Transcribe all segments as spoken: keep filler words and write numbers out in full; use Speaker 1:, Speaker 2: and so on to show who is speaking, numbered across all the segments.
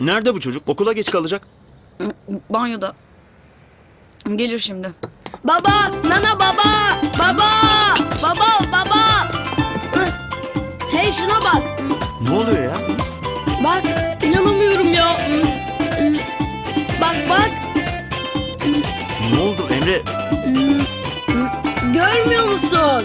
Speaker 1: Nerede bu çocuk? Okula geç kalacak.
Speaker 2: Banyoda. Gelir şimdi.
Speaker 3: Baba, nana baba, baba, baba, baba. Hey şuna bak.
Speaker 1: Ne oluyor ya?
Speaker 3: Bak, inanamıyorum ya. Bak bak,
Speaker 1: Ne oldu Emre?
Speaker 3: görmüyor musun?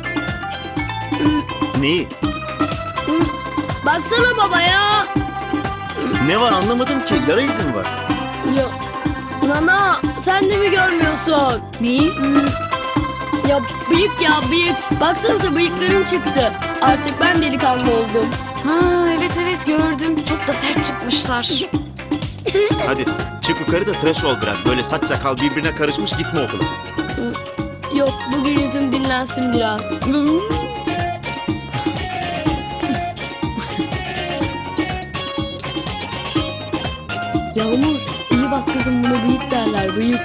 Speaker 1: Neyi?
Speaker 3: Baksana baba ya.
Speaker 1: Ne var anlamadım ki. Yara izi mi var?
Speaker 3: Ya, nana sen de mi görmüyorsun?
Speaker 2: Neyi?
Speaker 3: Ya bıyık ya bıyık. Baksanıza bıyıklarım çıktı. Artık ben delikanlı oldum.
Speaker 2: Ha evet evet gördüm. Çok da sert çıkmışlar.
Speaker 1: Hadi çık yukarı da tıraş ol biraz. Böyle saç sakal birbirine karışmış gitme okula.
Speaker 3: Yok bugün yüzüm dinlensin biraz. Yağmur iyi bak kızım, buna bıyık derler, bıyık.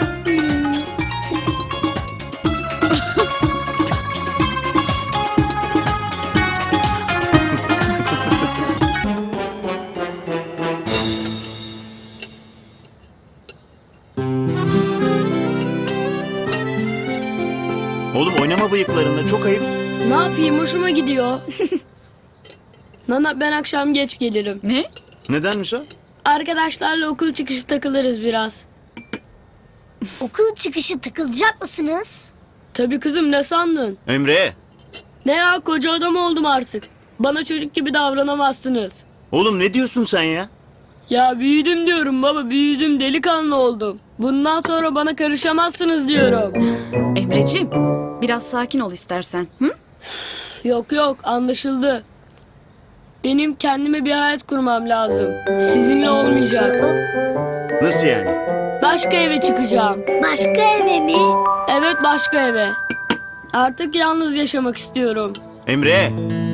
Speaker 1: Oğlum oynama bıyıklarında, çok ayıp.
Speaker 3: Ne yapayım, hoşuma gidiyor. Nana ben akşam geç gelirim.
Speaker 2: Ne?
Speaker 1: Nedenmiş o?
Speaker 3: Arkadaşlarla okul çıkışı takılırız biraz.
Speaker 4: Okul çıkışı takılacak mısınız?
Speaker 3: Tabii kızım, ne sandın?
Speaker 1: Emre.
Speaker 3: Ne ya, koca adam oldum artık. Bana çocuk gibi davranamazsınız.
Speaker 1: Oğlum ne diyorsun sen ya?
Speaker 3: Ya büyüdüm diyorum baba, büyüdüm, delikanlı oldum. Bundan sonra bana karışamazsınız diyorum.
Speaker 2: Emreciğim biraz sakin ol istersen. Hı?
Speaker 3: Yok yok, anlaşıldı. Benim kendime bir hayat kurmam lazım. Sizinle olmayacak.
Speaker 1: Nasıl yani?
Speaker 3: Başka eve çıkacağım.
Speaker 4: Başka eve mi?
Speaker 3: Evet, başka eve. Artık yalnız yaşamak istiyorum.
Speaker 1: Emre.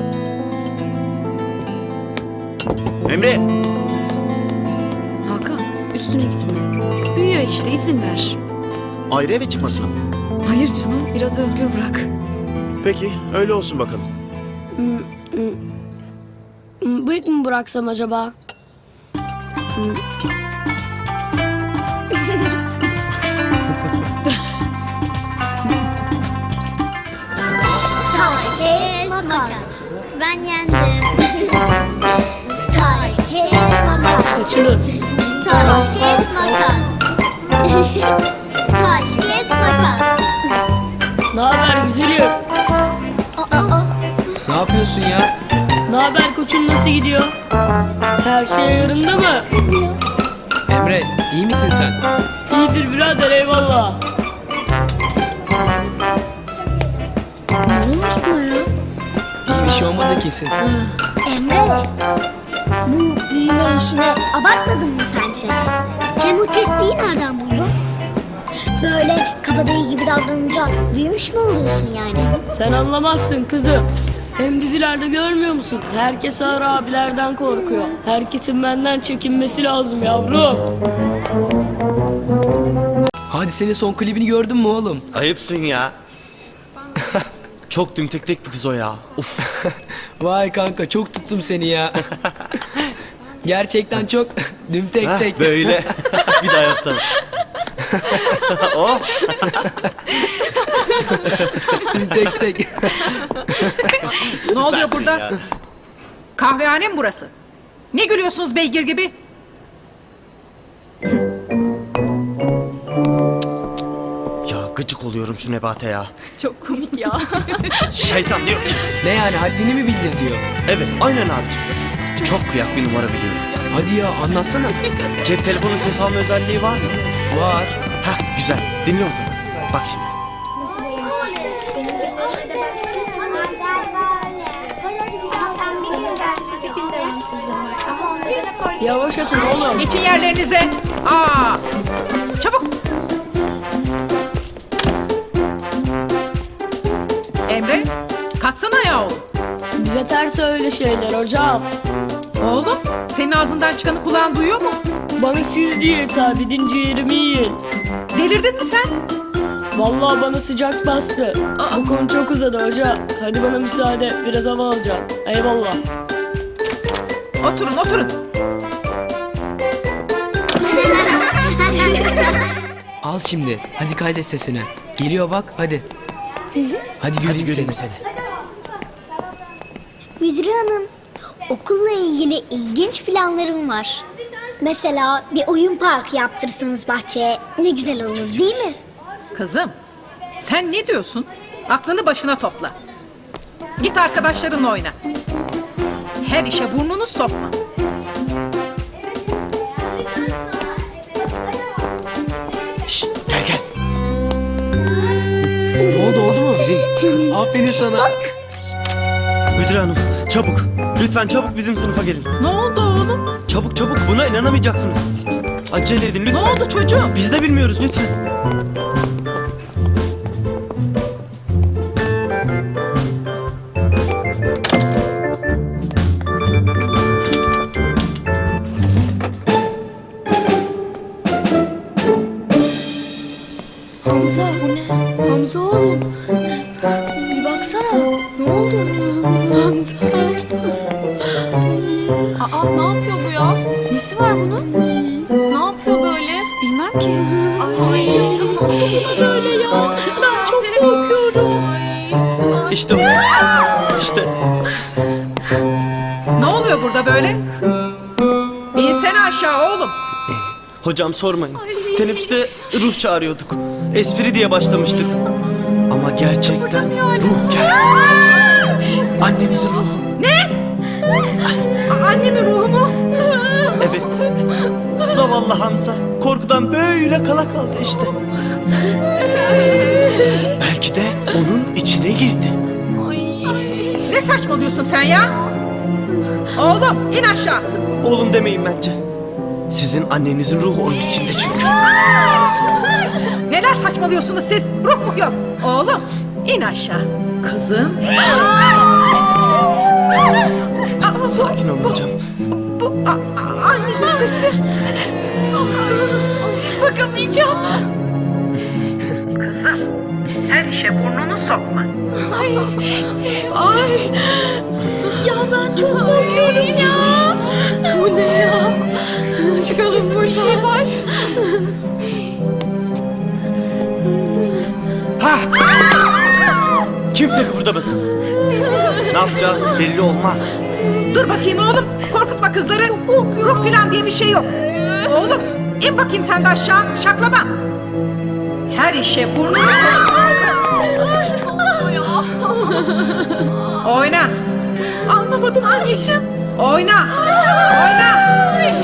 Speaker 1: Emre.
Speaker 2: Hakan üstüne gitme. Büyüyor işte, izin ver.
Speaker 1: Ayrı eve çıkmasına mı?
Speaker 2: Hayır canım, biraz özgür bırak.
Speaker 1: Peki öyle olsun bakalım.
Speaker 3: Bıyık mı bıraksam acaba?
Speaker 4: Taş, kes, makas. Ben yendim. Taş, kes, makas.
Speaker 3: Kaçılır.
Speaker 4: Taş, kes, makas. Taş, kes, makas.
Speaker 3: Ne haber güzelim?
Speaker 5: Ne yapıyorsun ya?
Speaker 3: Ne haber koçum, nasıl gidiyor? Her şey yarında mı?
Speaker 5: Emre, iyi misin sen?
Speaker 3: İyidir birader, eyvallah.
Speaker 2: Ne olmuş buna ya?
Speaker 5: İyi bir şey olmadı kesin.
Speaker 4: Emre, bu büyüme işini abartmadın mı sence? Hem bu tespihi nereden buldun? Böyle kabadayı gibi davranınca büyümüş mü oluyorsun yani?
Speaker 3: Sen anlamazsın kızım. Hem dizilerde görmüyor musun? Herkes ağır abilerden korkuyor. Herkesin benden çekinmesi lazım yavrum.
Speaker 5: Hadi senin son klibini gördün mü oğlum?
Speaker 6: Ayıpsın ya. Çok dümtek bir kız o ya. Uf.
Speaker 5: Vay kanka, çok tuttum seni ya. Gerçekten çok dümtek
Speaker 6: Heh,
Speaker 5: tek.
Speaker 6: böyle. Bir daha yapsana. Oh.
Speaker 5: Dümtek tek.
Speaker 7: Ne oluyor burada?
Speaker 6: Ya.
Speaker 7: Kahvehane mi burası? Ne gülüyorsunuz beygir gibi?
Speaker 6: Ya gıcık oluyorum şu Nebate ya.
Speaker 2: Çok komik ya.
Speaker 6: Şeytan diyor ki.
Speaker 5: Ne yani, haddini mi bildir diyor.
Speaker 6: Evet aynen abicim. Çok kıyak bir numara biliyorum.
Speaker 5: Hadi ya, anlatsana.
Speaker 6: Cep telefonu ses alma özelliği var mı?
Speaker 5: Var.
Speaker 6: Heh güzel. Dinle o zaman. Bak şimdi.
Speaker 3: Yavaş atın oğlum.
Speaker 7: Geçin yerlerinize. Aa! Çabuk. Emre, kalksana ya oğlum.
Speaker 3: Bize ters öyle şeyler hocam.
Speaker 7: Oğlum, senin ağzından çıkanı kulağın duyuyor mu?
Speaker 3: Bana siz diye hitap edin, ciğerimi yiyin.
Speaker 7: Delirdin mi sen?
Speaker 3: Vallahi bana sıcak bastı. Bu konu çok uzadı hoca. Hadi bana müsaade, biraz hava alacağım. Eyvallah.
Speaker 7: Oturun, oturun.
Speaker 5: Al şimdi. Hadi kaydet sesini. Geliyor bak hadi. Hadi göreyim,
Speaker 6: Hadi göreyim
Speaker 5: seni.
Speaker 6: seni.
Speaker 4: Müdür hanım, okulla ilgili ilginç planlarım var. Mesela bir oyun parkı yaptırsanız bahçeye ne güzel olur değil mi?
Speaker 7: Kızım, sen ne diyorsun? Aklını başına topla. Git arkadaşlarınla oyna. Her işe burnunu sokma.
Speaker 6: Şşt, gel gel.
Speaker 5: Ne oldu oldu mu? Aferin sana.
Speaker 6: Müdür hanım çabuk. Lütfen çabuk bizim sınıfa gelin.
Speaker 7: Ne oldu oğlum?
Speaker 6: Çabuk çabuk, buna inanamayacaksınız. Acele edin lütfen.
Speaker 7: Ne oldu çocuğum?
Speaker 6: Biz de bilmiyoruz lütfen.
Speaker 2: Hamza bu ne? Hamza oğlum. Bir baksana. Ne oldu? Hamza. Aa ne yapıyor bu ya? Nesi var bunun? Ne yapıyor böyle? Bilmem ki. Ay, ne yapıyor böyle ya? Ben çok korkuyorum.
Speaker 6: İşte hocam. İşte.
Speaker 7: Ne oluyor burada böyle? İnsene aşağı oğlum.
Speaker 6: Hocam sormayın. Teneffüste ruh çağırıyorduk. Espri diye başlamıştık. Ama gerçekten ruh geldi. Annenizin ruhu.
Speaker 7: A- Annemin ruhu mu?
Speaker 6: Evet. Zavallı Hamza. Korkudan böyle kala kaldı işte. Belki de onun içine girdi.
Speaker 7: Ne saçmalıyorsun sen ya? Oğlum in aşağı.
Speaker 6: Oğlum demeyin bence. Sizin annenizin ruhu onun içinde çünkü.
Speaker 7: Neler saçmalıyorsunuz siz? Ruh mu yok? Oğlum in aşağı. Kızım.
Speaker 6: Sakin olun hocam.
Speaker 7: Bu a- a- annenin sesi.
Speaker 2: Bakamayacağım.
Speaker 7: Kızım her işe burnunu sokma.
Speaker 2: Ay. Ya ben çok korkuyorum ya. Bu ne ya? Çıkalım burada. Bir şey var.
Speaker 6: Ha! Kimse kıpırdamasın. Ne yapacağı belli olmaz.
Speaker 7: Dur bakayım oğlum. Korkutma kızları. Ruh filan diye bir şey yok. Oğlum in bakayım sen de aşağı. Şaklama. Her işe burnunu sokma. Oyna. Anlamadım anneciğim. Oyna. Oyna.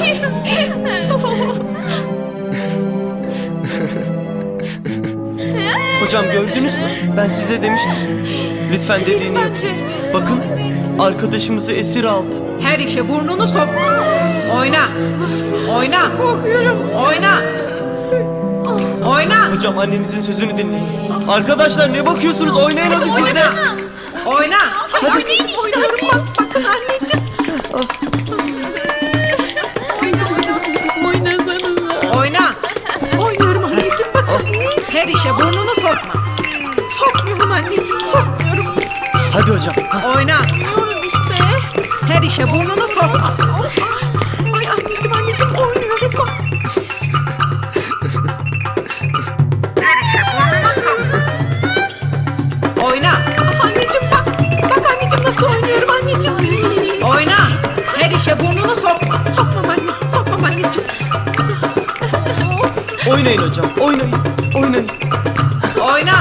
Speaker 6: Hocam gördünüz mü? Ben size demiştim. Lütfen dediğini yapın.
Speaker 2: Bence.
Speaker 6: Bakın arkadaşımızı esir aldı.
Speaker 7: Her işe burnunu sokma. Oyna. Oyna.
Speaker 2: Korkuyorum.
Speaker 7: Oyna. Oyna.
Speaker 6: Hocam annenizin sözünü dinleyin. Arkadaşlar ne bakıyorsunuz? Oynayın hadi siz de.
Speaker 7: Oyna. Hadi. Oynayın işte. Oynuyorum bak. Bakın anneciğim.
Speaker 2: Oynasanıza.
Speaker 7: Oyna. Oynuyorum anneciğim bakın. Her işe burnunu sokma. Sokmuyorum anneciğim. Sokmuyorum.
Speaker 6: Hadi hocam. Ha,
Speaker 7: Oyna.
Speaker 2: Oynuyoruz işte.
Speaker 7: Her işe burnunu sokma. Ay anneciğim anneciğim oynuyorum bak. Her işe burnunu sokma. Oyna. Anneciğim bak. Bak anneciğim nasıl oynuyorum anneciğim. Oyna. Her işe burnunu sokma. Sokmam anne. Sokmam anneciğim.
Speaker 6: oynayın hocam. Oynayın. Oynayın.
Speaker 7: Oyna.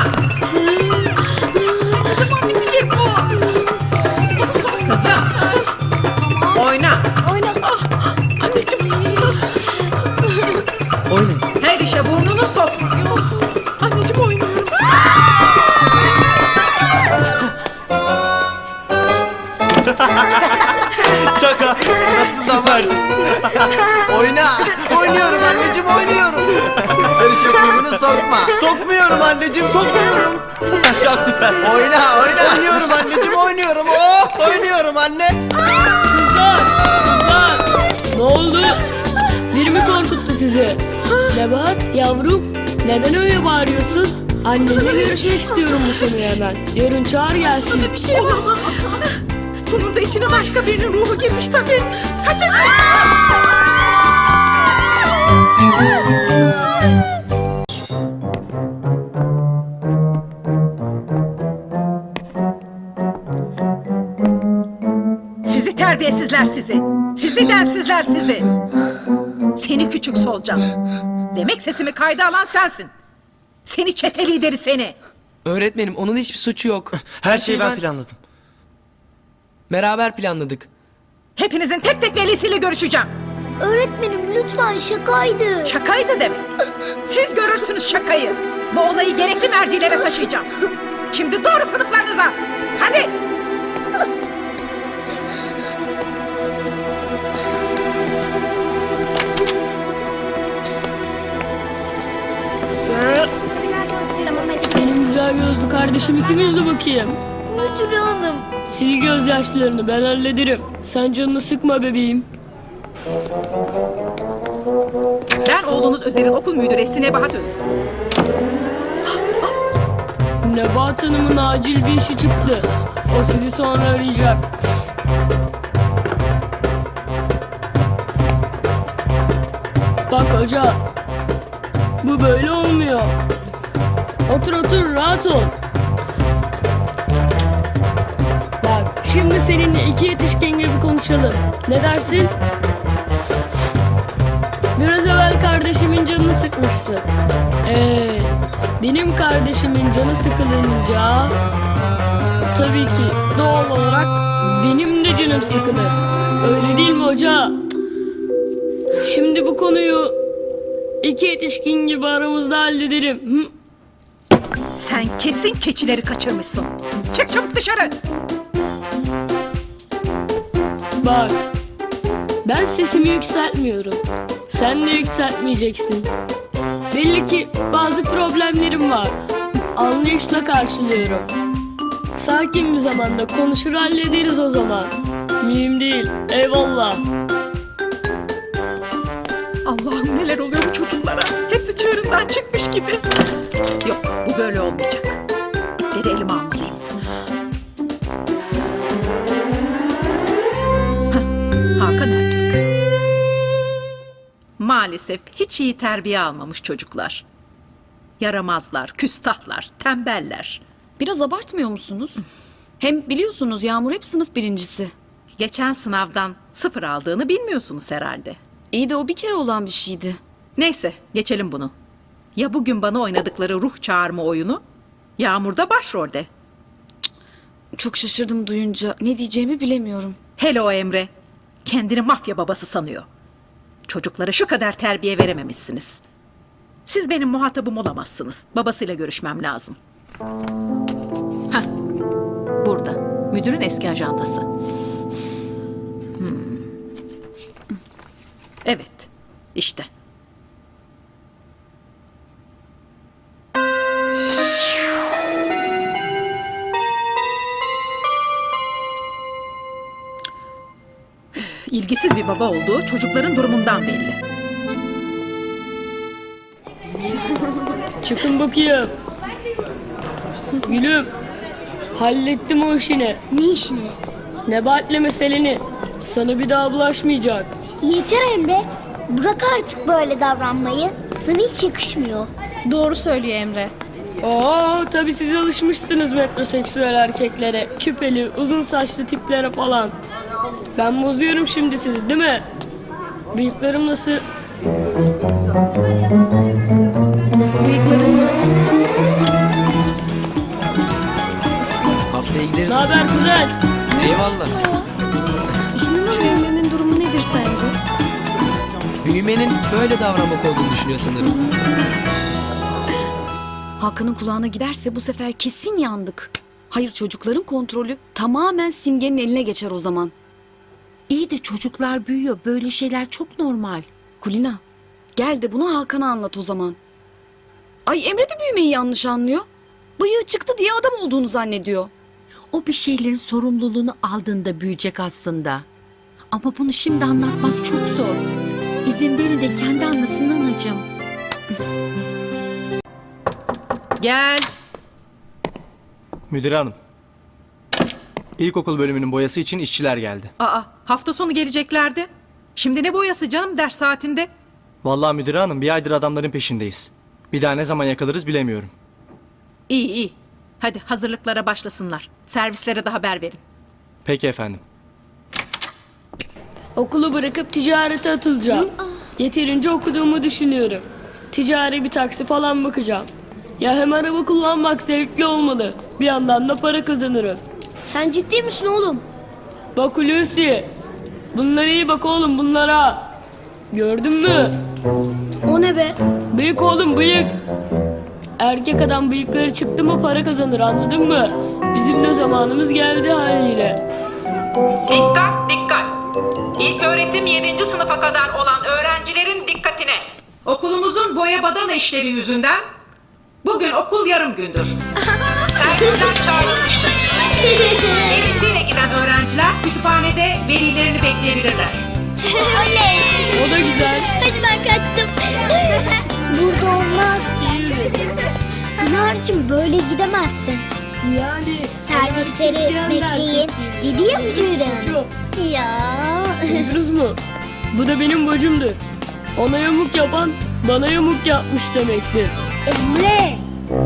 Speaker 2: Ne zaman bitecek bu?
Speaker 7: Kızım. Oyna.
Speaker 2: Oyna. Ah, anneciğim.
Speaker 6: Oynayın.
Speaker 7: Her işe burnunu sokma. Anneciğim oynuyorum.
Speaker 6: Şaka. Nasıl da var? Oyna. Oynuyorum anneciğim oynuyorum.
Speaker 8: Her işe burnunu sokma.
Speaker 6: Sokmuyorum anneciğim sokmuyorum. Çok süper.
Speaker 8: Oyna oyna.
Speaker 6: Oynuyorum anneciğim oynuyorum. Oh oynuyorum anne.
Speaker 3: Kızlar, kızlar. Ne oldu? Biri mi korkuttu sizi? Nebahat, yavrum. Neden öyle bağırıyorsun? Annenle görüşmek istiyorum bu konuyu hemen. Yarın çağır gelsin.
Speaker 7: Bir şey var. Bunun da içine başka birinin ruhu girmiş tabii. Kaçın. Sizi terbiyesizler sizi. Sizi densizler sizi. Seni küçük solucan. Demek sesimi kayda alan sensin. Seni çete lideri seni.
Speaker 5: Öğretmenim onun hiçbir suçu yok.
Speaker 6: Her şeyi ben planladım.
Speaker 5: Beraber planladık.
Speaker 7: Hepinizin tek tek velisiyle görüşeceğim.
Speaker 4: Öğretmenim lütfen şakaydı.
Speaker 7: Şakaydı demek. Siz görürsünüz şakayı. Bu olayı gerekli mercilere taşıyacağım. Şimdi doğru sınıflarınıza. Hadi.
Speaker 4: Tamam hadi.
Speaker 3: Benim güzel gözlü kardeşim ikimiz de bakayım.
Speaker 4: Müdür hanım.
Speaker 3: Sil gözyaşlarını ben hallederim. Sen canını sıkma bebeğim.
Speaker 7: Ben oğlunuz Özer'in okul müdüresi Nebahat Öz.
Speaker 3: Nebahat Hanım'ın acil bir işi çıktı. O sizi sonra arayacak. Bak hoca. Bu böyle olmuyor. Otur otur rahat ol. Bak şimdi seninle iki yetişkin gibi konuşalım. Ne dersin? Biraz evvel kardeşimin canını sıkmışsın. Ee, benim kardeşimin canı sıkılınca tabii ki doğal olarak benim de canım sıkılır. Öyle değil mi hoca? Şimdi bu konuyu iki yetişkin gibi aramızda hallederim. Hı?
Speaker 7: Sen kesin keçileri kaçırmışsın. Çık çabuk dışarı.
Speaker 3: Bak, ben sesimi yükseltmiyorum. Sen de yükseltmeyeceksin. Belli ki bazı problemlerim var. Anlayışla karşılıyorum. Sakin bir zamanda konuşur hallederiz o zaman. Mühim değil, eyvallah.
Speaker 7: Allah'ım neler oluyor bu çocuklara. Hepsi çığırından çıkmış gibi. Yok bu böyle olmayacak. Geri elime almalıyım. Hah, Hakan Ertürk. Maalesef hiç iyi terbiye almamış çocuklar. Yaramazlar, küstahlar, tembeller.
Speaker 2: Biraz abartmıyor musunuz? Hem biliyorsunuz Yağmur hep sınıf birincisi.
Speaker 7: Geçen sınavdan sıfır aldığını bilmiyorsunuz herhalde.
Speaker 2: İyi de o bir kere olan bir şeydi.
Speaker 7: Neyse geçelim bunu. Ya bugün bana oynadıkları ruh çağırma oyunu? Yağmur'da başrolde.
Speaker 2: Çok şaşırdım duyunca. Ne diyeceğimi bilemiyorum.
Speaker 7: Hele o Emre. Kendini mafya babası sanıyor. Çocuklara şu kadar terbiye verememişsiniz. Siz benim muhatabım olamazsınız. Babasıyla görüşmem lazım. Hah. Burada. Müdürün eski ajandası. Hmm. Evet. İşte. İlgisiz bir baba olduğu çocukların durumundan belli.
Speaker 3: Çıkın bakayım. Gülüm, hallettim o işini.
Speaker 4: Ne işini?
Speaker 3: Nebahat'le meseleni. Sana bir daha bulaşmayacak.
Speaker 4: Yeter Emre. Bırak artık böyle davranmayı. Sana hiç yakışmıyor.
Speaker 2: Doğru söylüyor Emre.
Speaker 3: Oo, tabii siz alışmışsınız metroseksüel erkeklere. Küpeli, uzun saçlı tiplere falan. Ben bozuyorum şimdi sizi değil mi? Bıyıklarım nasıl?
Speaker 2: Bıyıkların mı?
Speaker 5: Haftaya gideriz.
Speaker 3: Ne haber kuzen?
Speaker 5: Eyvallah.
Speaker 2: Şu Emre'nin durumu nedir sence?
Speaker 5: Büyümenin böyle davranmak olduğunu düşünüyor sanırım.
Speaker 2: Hakan'ın kulağına giderse bu sefer kesin yandık. Hayır çocukların kontrolü tamamen Simge'nin eline geçer o zaman.
Speaker 9: İyi de çocuklar büyüyor. Böyle şeyler çok normal.
Speaker 2: Kulina gel de bunu Hakan'a anlat o zaman. Ay Emre de büyümeyi yanlış anlıyor. Bıyığı çıktı diye adam olduğunu zannediyor.
Speaker 9: O bir şeylerin sorumluluğunu aldığında büyüyecek aslında. Ama bunu şimdi anlatmak çok zor. İzin verin de kendi anlasın anacığım.
Speaker 7: Gel.
Speaker 6: Müdür hanım. İlkokul bölümünün boyası için işçiler geldi.
Speaker 7: Aa, hafta sonu geleceklerdi. Şimdi ne boyası canım ders saatinde?
Speaker 6: Vallahi müdür hanım bir aydır adamların peşindeyiz. Bir daha ne zaman yakalarız bilemiyorum.
Speaker 7: İyi iyi. Hadi hazırlıklara başlasınlar. Servislere de haber verin.
Speaker 6: Peki efendim.
Speaker 3: Okulu bırakıp ticarete atılacağım. Yeterince okuduğumu düşünüyorum. Ticari bir taksi falan bakacağım. Ya hem araba kullanmak zevkli olmalı. Bir yandan da para kazanırım.
Speaker 4: Sen ciddi misin oğlum?
Speaker 3: Bak Hulusi. Bunlara iyi bak oğlum bunlara. Gördün mü?
Speaker 4: O ne be?
Speaker 3: Bıyık oğlum bıyık. Erkek adam bıyıkları çıktı mı para kazanır anladın mı? Bizim de zamanımız geldi haliyle.
Speaker 7: Dikkat dikkat. İlk öğretim yedinci sınıfa kadar olan öğrencilerin dikkatine. Okulumuzun boya badana işleri yüzünden bugün okul yarım gündür. Servisler çağrılmıştır. Velisiyle giden öğrenciler kütüphanede velilerini bekleyebilirler.
Speaker 3: O da güzel.
Speaker 4: Hadi ben kaçtım. Burada olmaz. Pınar'cığım böyle gidemezsin.
Speaker 3: Yani
Speaker 4: Servisleri bekleyin dedi ya müdür hanım. Ya.
Speaker 3: Duydunuz mu? Bu da benim bacımdır. Ona yamuk yapan bana yamuk yapmış demektir.
Speaker 4: Emre.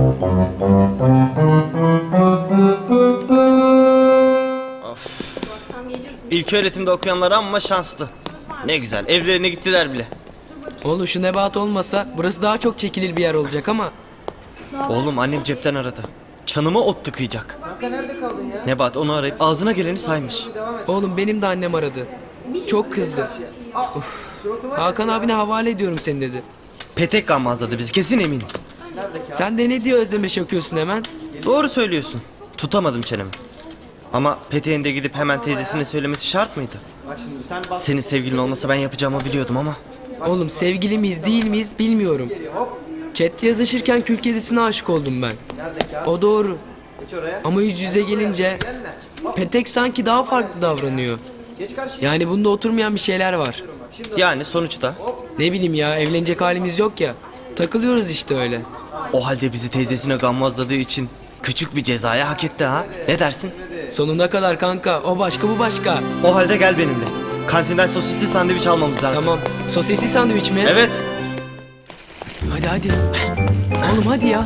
Speaker 6: İlk öğretimde okuyanlar amma şanslı. Ne güzel evlerine gittiler bile.
Speaker 5: Oğlum şu Nebahat olmasa burası daha çok çekilir bir yer olacak ama.
Speaker 6: Oğlum annem cepten aradı. Çanıma ot tıkayacak. Nebahat onu arayıp ağzına geleni saymış.
Speaker 5: Oğlum benim de annem aradı. Çok kızdı. Uf. Hakan abine havale ediyorum seni dedi.
Speaker 6: Petek gammazladı bizi kesin eminim.
Speaker 5: Sen de ne diye özlemeş yakıyorsun hemen?
Speaker 6: Doğru söylüyorsun. Tutamadım çenemi. Ama Petek'in de gidip hemen teyzesine söylemesi şart mıydı? Senin sevgilin olmasa ben yapacağımı biliyordum ama.
Speaker 5: Oğlum sevgili miyiz değil miyiz bilmiyorum. Chat'te yazışırken kül kedisine aşık oldum ben. O doğru. Ama yüz yüze gelince Petek sanki daha farklı davranıyor. Yani bunda oturmayan bir şeyler var.
Speaker 6: Yani sonuçta
Speaker 5: Ne bileyim ya evlenecek halimiz yok ya. Takılıyoruz işte öyle.
Speaker 6: o halde bizi teyzesine gammazladığı için küçük bir cezaya hak etti ha. Ne dersin?
Speaker 5: Sonuna kadar kanka o başka bu başka.
Speaker 6: O halde gel benimle. Kantinden sosisli sandviç almamız lazım.
Speaker 5: Tamam. Sosisli sandviç mi?
Speaker 6: Evet.
Speaker 5: Hadi hadi. Oğlum hadi ya.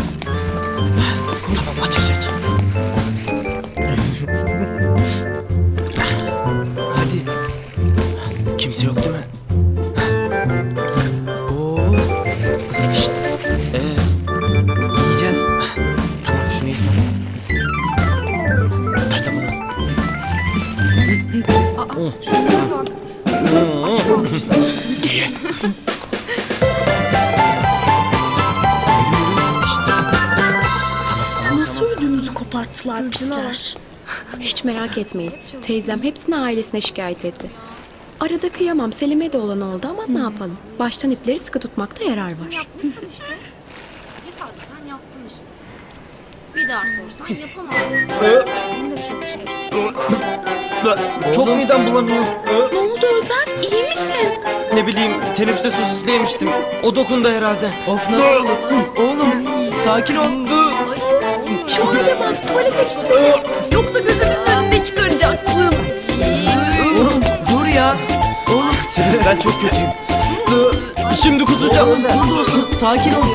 Speaker 6: Tamam aç aç aç.
Speaker 5: Hadi.
Speaker 6: Kimse yok değil mi?
Speaker 5: Oo,
Speaker 6: Ee,
Speaker 5: yiyeceğiz.
Speaker 6: tamam şunu yesem. Ben de bunu.
Speaker 2: Nasıl ödümüzü koparttılar pisler.
Speaker 10: Hiç merak etmeyin. Teyzem hepsini ailesine şikayet etti. Arada kıyamam. Selim'e de olan oldu ama ne yapalım? Baştan ipleri sıkı tutmakta yarar var.
Speaker 2: Tesadüfen yaptım işte. Bir daha sorsan yapamam. Ben de çalıştım.
Speaker 6: Çok midem bulanıyor.
Speaker 2: Ne oldu Özer? İyi misin?
Speaker 6: Ne bileyim teneffüste sosisli yemiştim. O dokundu herhalde.
Speaker 5: Of nasıl olur? Oğlum sakin ol.
Speaker 2: Şu hale bak tuvalete gitsene. Yoksa gözümüzün önünde çıkaracaksın.
Speaker 5: Oğlum dur ya. Oğlum
Speaker 6: Selin ben çok kötüyüm. Şimdi kusacağım.
Speaker 5: dur dur sakin ol.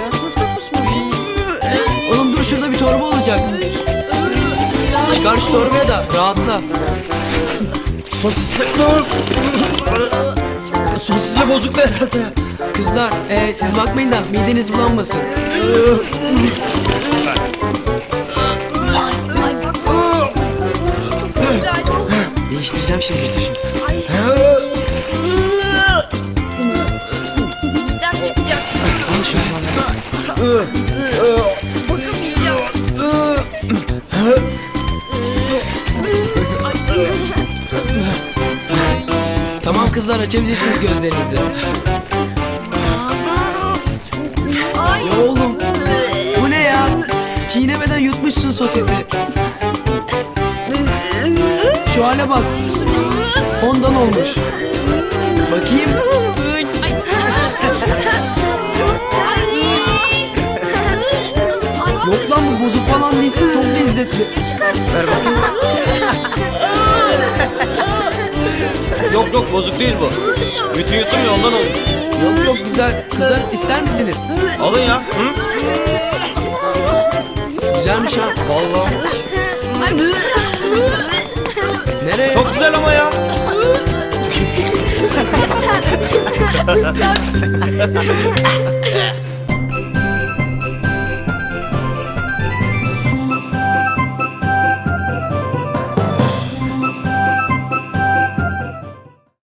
Speaker 5: Oğlum dur şurada bir torba olacak. Çıkar şu torbaya da rahatla.
Speaker 6: Sosisli. Sosisli bozuktu herhalde.
Speaker 5: Kızlar e, siz bakmayın da mideniz bulanmasın. Değiştireceğim şimdi.
Speaker 2: Ders çıkacak.
Speaker 5: Al şunu.
Speaker 2: Bakamayacağım.
Speaker 5: Tamam kızlar açabilirsiniz gözlerinizi.
Speaker 2: Ay.
Speaker 5: Ya oğlum bu ne ya? Çiğnemeden yutmuşsun sosisi. Şu hale bak. Ondan olmuş. Bakayım. Yok lan bu bozuk falan değil. Çok lezzetli.
Speaker 6: Ver bakayım. Yok yok bozuk değil bu. Bütün yuttum ya ondan olmuş.
Speaker 5: Yok yok güzel. Kızlar ister misiniz?
Speaker 6: Alın ya. Hı?
Speaker 5: Güzelmiş ha.
Speaker 6: Vallahi.
Speaker 5: Nereye?
Speaker 6: Çok güzel ama ya.